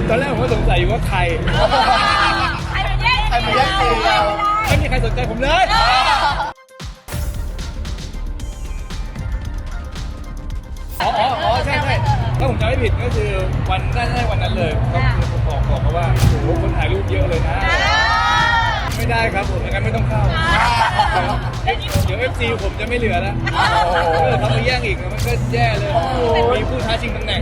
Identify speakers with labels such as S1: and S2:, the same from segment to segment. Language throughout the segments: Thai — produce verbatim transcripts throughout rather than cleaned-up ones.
S1: ตอนแรกผมก็สงสัยอยู่ว่าใคร
S2: ใครมาแย่ง
S3: ใครมาแย่งซีนเรา
S1: ไม่มีใครสนใจผมเลยอ๋ออ๋ออ๋อใช่ใช่ถ้าผมจำไม่ผิดก็คือวันน่าจะวันนั้นเลยก็คือผมบอกบอกเขาว่าโอ้โหคนถ่ายรูปเยอะเลยนะไม่ได้ครับผมงั้นไม่ต้องเข้าเดี๋ยว เอฟ ซี ผมจะไม่เหลือแล้วเขามาแย่งอีกมันก็แย่เลยมีผู้ท้าชิงตำแหน่ง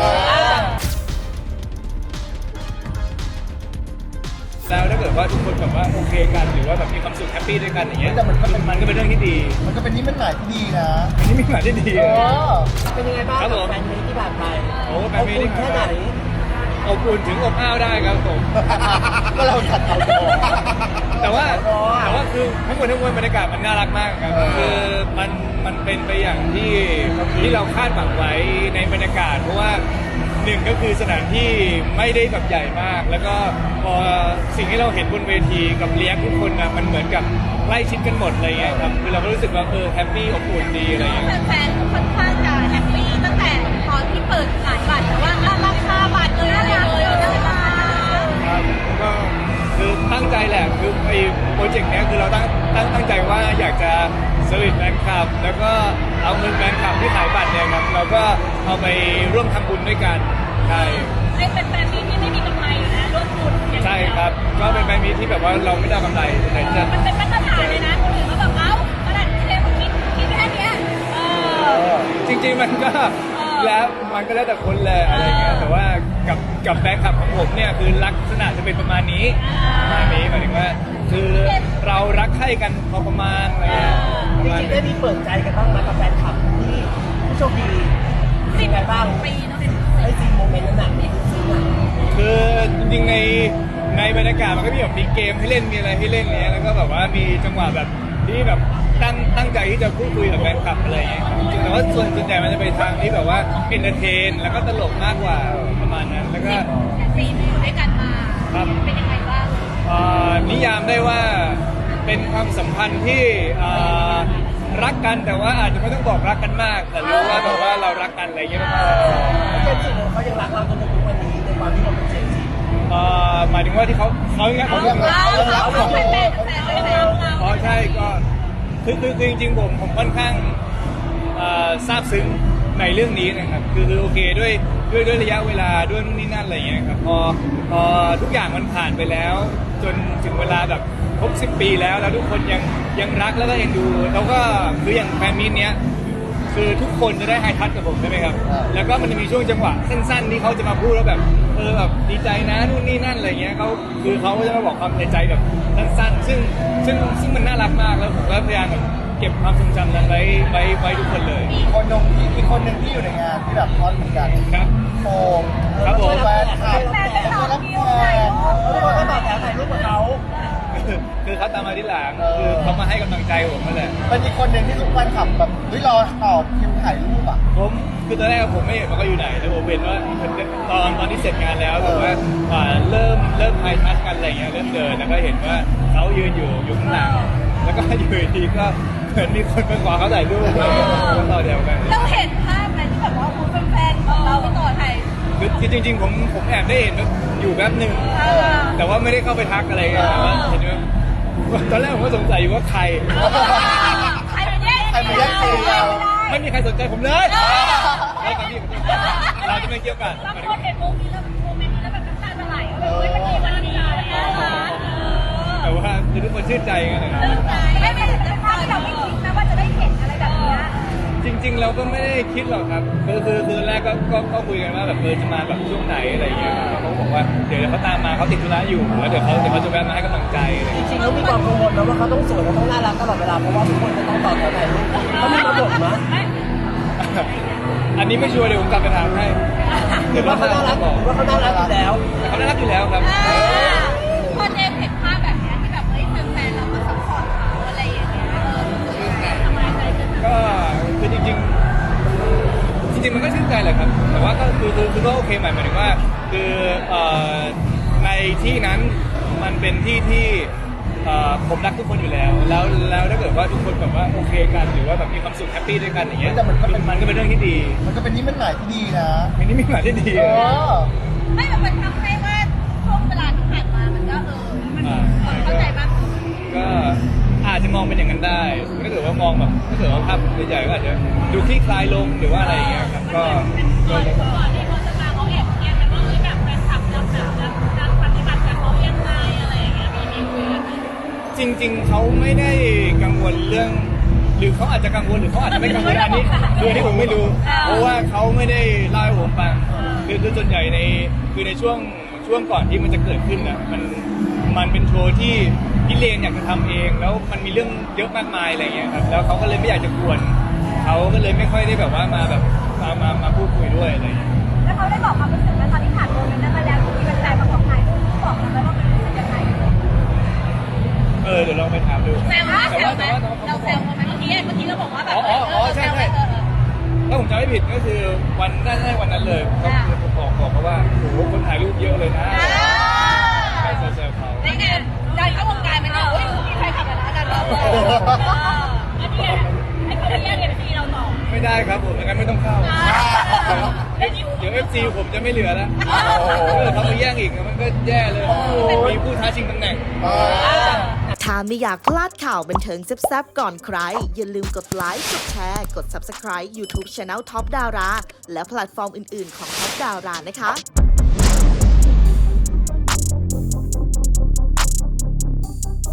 S1: แล้วถ้าเกิดว่าทุกคนแบบว่าโอเคกันหรือว่าแบบมีความสุขแฮปปี้ด้วยกันอย่างเงี้ย
S3: แต่มันก็เป็น
S1: มันก็เป็นเรื่องที่ดี
S3: มันก็เป็นนิมิตหมายที่ดีนะ
S1: อันนี้มีหมายที่ดี
S3: เออ
S4: เป็นยังไงบ้าง
S1: ครับผม
S4: แฟนมีที่ผ่านไป
S1: โอ้แฟนมีที่ผ่านไป
S4: แค่ไหน
S1: อบอุ่นถึงอบอ้าวได้ครับผม
S3: ก็เราขัดเอาตัว
S1: แต่ว่าแต่ว่าคือทั้งหมดทั้งมวลบรรยากาศมันน่ารักมากครับ
S3: เออ
S1: คือมันมันเป็นไปอย่างที่ที่เราคาดหวังไว้ในบรรยากาศเพราะว่าหนึ่งก็คือสถานที่ไม่ได้แบบใหญ่มาก แล้วก็พอสิ่งที่เราเห็นบนเวทีกับเลี้ยงทุกคนนะมันเหมือนกับใกล้ชิดกันหมดอะไรเงี้ยครับคือเราก็รู้สึกว่าเออแฮปปี้อบอุ่นดีอะไรเงี้ย
S2: แฟนๆค่อนข้างจะแฮปปี้ตั้งแต่ตอนที่เปิดขายบัตรแต่ว่าราคาบัตรเลยอะไรเลยน่ารัก
S1: ครับก็คือตั้งใจแหละคือไอ้โปรเจกต์เนี้ยคือเราตั้งตั้งตั้งใจว่าอยากจะสวิตแฟนคลับแล้วก็เอาเงินแฟนคลับที่ขายบัตรเนี่ยครับเราก็เอาไปร่วมทำบุญด้วยกันใช่
S2: ให้เป็นแฟนมีที่ไม่มีกำไรอยู่นะร่วมทุนอย่างเดียว
S1: ใช่ครับก็เป็นแบรนด์มีที่แบบว่าเราไม่ได้กำไรแต่จะ
S2: มันเป็นมาตรฐานเลยนะคนอื่นเขาแบบเอ้าขนาดเทปคิดคิดแค่เนี้ยเออ
S1: จริงๆมันก็แล้วมันก็แล้วแต่คนแหละอะไรเงี้ยแต่ว่ากับกับแฟนคลับของผมเนี่ยคือลักษณะจะเป็นประมาณนี้ประมาณนี้หมายถึงว่าคือเรารักใคร่กันพอประมาณอะไรเงี้ยประมาณ
S4: จริงๆได้มีเปิดใจกันบ้างไหมกับแฟนคลับที่ผู้โชคดีเป็นยังไงบ้าง
S2: ปีเนาะเป็น
S4: ไอ้ซีนโมเมนต์นั้นหนักนี่ซีนหนัก
S1: คือจริงๆในในบรรยากาศมันก็มีแบบมีเกมให้เล่นมีอะไรให้เล่นเนี้ยแล้วก็แบบว่ามีจังหวะแบบที่แบบตั้งตั้งใจที่จะพูดคุยกับแฟนคลับอะไรเงี้ยจริงๆแต่ว่าส่วนส่วนใหญ่มันจะไปทางที่แบบว่าเอนเตอร์เทนแล้วก็ตลกมากกว่าประมาณนั้นแล้วก็
S2: ปีที่อยู่ด้วยกันมา
S1: ครับ
S2: เป็นยังไงบ้าง
S1: เอ่อนิยามได้ว่าเป็นความสัมพันธ์ที่เอ่อรักกันแต่ว่าอาจจะไม่ต้องบอกรักกันมาก แต่รู้ว่าแบบว่าเรารักกันอะไรเงี้ยประมาณนั้น
S4: แล้วเจมส์จิเขายังรักเราจนถึงทุกวันนี้ในความที่เราเป็นเจมส์จิ
S1: เอ่อหมายถึงว่าที่เขาเขาอย่างเงี้ย
S2: เอา
S1: เขา
S2: เอาเอาเอาเป็นแฟนแฟนเป็นแฟนเรา
S1: อ๋อใช่ก็คือคือคือจริงๆผมผมค่อนข้างเอ่อซาบซึ้งในเรื่องนี้นะครับคือคือโอเคด้วยด้วยด้วยระยะเวลาด้วยนู่นนี่นั่นอะไรอย่างเงี้ยครับพอพอทุกอย่างมันผ่านไปแล้ว จนถึงเวลาแบบครบสิบปีแล้วแล้วทุกคนยังยังรักแล้วก็เอ็นดูแล้วก็คืออย่างแฟนมีตเนี้ยคือทุกคนจะได้ไฮทัชกับผมใช่ไหมครับแล้วก็มันจะมีช่วงจังหวะสั้นๆที่เขาจะมาพูดแล้วแบบเออแบบดีใจนะนู่นนี่นั่นอะไรเงี้ยเขาคือเขาจะมาบอกความในใจแบบสั้นๆซึ่งซึ่งซึ่งมันน่ารักมากแล้วผมก็พยายามแบบเก็บความทรงจำนั้นไว้ไว้ไว้ทุกคนเลย
S3: อีกคนหนึ่งที่อีกคนหนึ่งที่อยู่ในงานที่แบบฮอตเหมือนกัน
S1: ครับ
S3: โฟม
S1: ครับผม
S3: แฟนคลับ
S2: แฟนเป็นสอง
S3: รับ
S2: คิ
S3: แฟ
S2: วน
S4: เขาบอกให้บอกแถวถ่ายรูปกับเขา
S1: คือคือเขาตามมาที่หลังคือเขามาให้กำลังใจผมนั่นแหละ
S3: เป็นอีกคนหนึ่งที่ทุกแฟนคลับแบบเฮ้ยรอต่อคิวถ่ายรูปอ่ะ
S1: ผมคือตอนแรกผมไม่เห็นว่าเขาอยู่ไหนแต่ผมเห็นว่าตอนตอนที่เสร็จงานแล้วแบบว่าอ่าเริ่มเริ่มไฮทัชกันอะไรเงี้ยเริ่มเดินแล้วก็เห็นว่าเขายืนอยู่อยู่ข้างหลังแล้วก็อยู่ดีก็เหมือนมีคนมาขอเขาถ่ายรูปอะไรเงี้ยก็ต่อแถวกัน
S2: เราเห็นภาพไหมที่แบบว่าคุณเป็นแฟนของเราไปต่อไทย
S1: คือคือจริงๆผมผมแอบได้เห็นอยู่แป๊บหนึ่งแต่ว่าไม่ได้เข้าไปทักอะไรกันแต่ว่าเห็นว่าตอนแรกผมก็สงสัยอยู่ว่าใคร
S2: ใครมาแย่ง
S3: ใครมาแย่งซีนเรา
S1: ไม่มีใครสนใจผมเลยแล้วกันที่เราจะไม่เกี่ยวกัน
S2: บางคนเห็นโมเมนต์แล้วโมเมนต์นี้แล้วแบบน้ำตาจะไหลว่าเฮ้ยมันดีมันดีมันน่ารัก
S1: แต่ว่าคือทุกคนชื่นใจกันนะครับ
S2: เริ่มใจไม่เป็นภาพที่เราไม่คิดนะว่าจะได้เห็นอะไรแบบนี้
S1: จริง ๆ เราก็ไม่ได้คิดหรอกครับคือคือคือแรกก็ก็ก็คุยกันว่าแบบเออจะมาแบบช่วงไหนอะไรอย่างเงี้ยเขาบอกว่าเดี๋ยวเขาตามมาเขาติดธุระอยู่แล้วเดี๋ยวเขาเดี๋ยวเขาจะแวะมาให้กำลังใจอะไรอย่าง
S4: จ
S1: เงี้ย
S4: ริงๆแล้วมีความกังวลนะว่าเขาต้องสวยและต้องน่ารักตลอดเวลาเพราะว่าทุกคนจะต้องต่อแถวถ่ายรูปเขามีมาบอกมั้ย
S1: อันนี้ไม่ชัวร์เดี๋ยวผมกลับไปถามให้
S4: หรือว่าเขาน่ารักหรือว่าเขาน่ารักอยู่แล้ว
S1: เขาน่ารักอยู่แล้วครับ
S2: พอเจมเห็นภาพแบบนี้ที่แบบเฮ้ยแฟนๆเราก็ซัพพอร์ตเขาอะไรอย่างเงี้ยทำไมใจขึ้น
S1: ก็คือจริงๆจริงๆมันก็ชื่นใจแหละครับแต่ว่าก็คือคือคือก็โอเคหมายหมายถึงว่าคือเอ่อในที่นั้นมันเป็นที่ที่เอ่อผมรักทุกคนอยู่แล้ว แล้วแล้วถ้าเกิดว่าทุกคนแบบว่าโอเคกันหรือว่าแบบมีความสุขแฮปปี้ด้วยกันอย่างเงี้ย
S3: แต่มันก็เป็น
S1: มันก็เป็นเรื่องที่ดี
S3: มันก็เป็นนิมิตหมายที่ดีนะ
S1: มันนี่มีหมายที่ดี
S3: เออ
S2: ไม่แบบมันทำให้
S1: ถ้าเกิดว่าภาพใหญ่ๆก็อาจจะดูคลี่คลายลงหรือว่าอะไรอย่างเงี้ยครับก็ก็
S2: ก่อนที่เขาจะมาเขาแอบเครียดกันว่าเฮ้ยแบบแฟนคลับจะแบบจะจะปฏิบัติกับเขายังไงอะไรอย่างเงี้ยมีมีคุยกันไหม
S1: จริงๆ เขาไม่ได้กังวลเรื่อง หรือเขาอาจจะกังวลหรือเขาอาจจะไม่กังวลอันนี้คืออันนี้ผมไม่รู้ เพราะว่าเขาไม่ได้เล่าให้ผมฟังคือคือส่วนใหญ่ในคือในช่วงช่วงก่อนที่มันจะเกิดขึ้นนะมันมันเป็นโชว์ที่พี่เลนอยากจะทำเอง แล้วมันมีเรื่องเยอะมากมายอะไรเงี้ยครับแล้วเขาก็เลยไม่อยากจะกวนเขาก็เลยไม่ค่อยได้แบบว่ามาแบบมามามาพูดคุยด้วยอะไรเงี้ย
S2: แล้วเขาได้บอกความรู้สึกไหมตอนที่ผ่านโมเมนต์นั้นมาแล้วที่เป็นแฟนมาบอกถ่ายรูปบอกกันไหมว่ามันรู้สึกยังไง
S1: เออเดี๋ยวลองไปถามดู
S2: แซวไหม
S1: แต่
S2: แซ
S1: ว่าว
S2: ไหม
S1: แต่ว่าแต่ว่า
S2: เรา
S1: เขา
S2: แซ
S1: บอก
S2: วเขาไหมเมื่อกี้เมื่อกี้เราบอกว่าแบบ
S1: อ๋ออ๋ออ๋อใช่ใช่ ถ้าผมจำไม่ผิดก็คือวันน่าจะวันนั้นเลยก็คือผมบอกบอกเขาว่าโอ้โหคนถ่ายรูปเยอะเลยนะใช่แซวๆเขา
S2: ได้ไงดันเข้าวงการไปแล้วเฮ้ยมีใครขับกันนะกันเราอันนี้ให้เขาแยกเอฟซีเราต่อ
S1: ไม่ได้ครับผมงั้นไม่ต้องเข้าเดี๋ยวเอฟซีผมจะไม่เหลือแล้วถ้าเขามาแย่งอีกมันก็แย่เลยมีผู้ท้าชิงตำแหน่ง
S5: ถ้าไม่อยากพลาดข่าวบันเทิงแซ่บๆก่อนใคร อย่าลืมกดไลค์ กดแชร์ กด ซับสไครบ์ ยูทูบ Channel Top Dara และแพลตฟอร์มอื่นๆของ Top Dara นะคะ